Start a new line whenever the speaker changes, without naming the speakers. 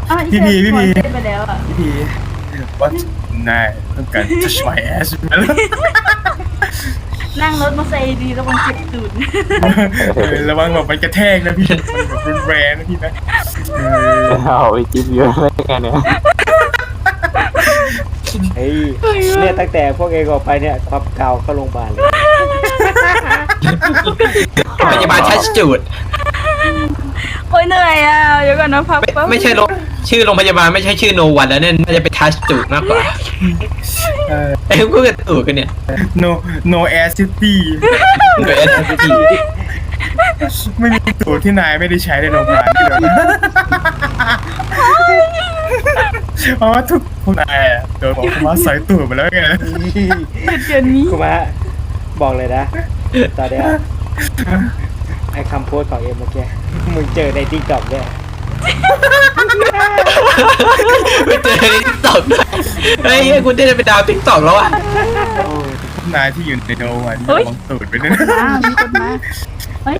อ้าวอี
พี่
เช
พี
ฟ
พี่
ขอ
พี
เต้นไปแล้วอ่ะ
พี่ว่านายต้องการ touch my ass ไหมล่ะ
นั่งรถมาใส่ดีระวังเจ็บตูด
ระวังแบบมันกระแทกนะพี่มันแบบรุนแรงนะพี่นะเออ
เอาไอ้จิ๊บเยอะอะไรกันเนี่ย
เฮ้ยเนี่ยตั้งแต่พวกเองออกไปเนี่ยความเก่าเข้าโรงพยาบาลเลย
พยาบาลทัชจูด
โอ้ยเหนื่อยอ่ะเดี๋ยวก่อนนะพักแป๊บ
ไม่ใช่ชื่อโรงพยาบาลไม่ใช่ชื่อโนวันแล้วเนี่ยน่าจะเป็นทัชจูดมากกว่าไอ้พวกกระตูดกันเนี่ย
no air city
เกิดอะไรขึ้น
ไม่มีตูดที่นายไม่ได้ใช้ในโรงพยาบาลที่เราเพราะว่าทุกคนนายโดนบอกว่าใส่ตูดมาแล้วไง
เดือนนี้
กูมาบอกเลยนะ ตอนเนี้ยไอ้คำพูดของเอ็มเมื่อกี้มึงเจอในทิกตอกเนี่ย
ไปเจอในติ๊กต็อกด้วยเฮ้ยคุณได้เป็นดาวติ๊กต็อกแล้วอ่ะ
นายที่อยู่ในโนวันระวังตูดไปด้วยนะ
มีคนมาเฮ้ย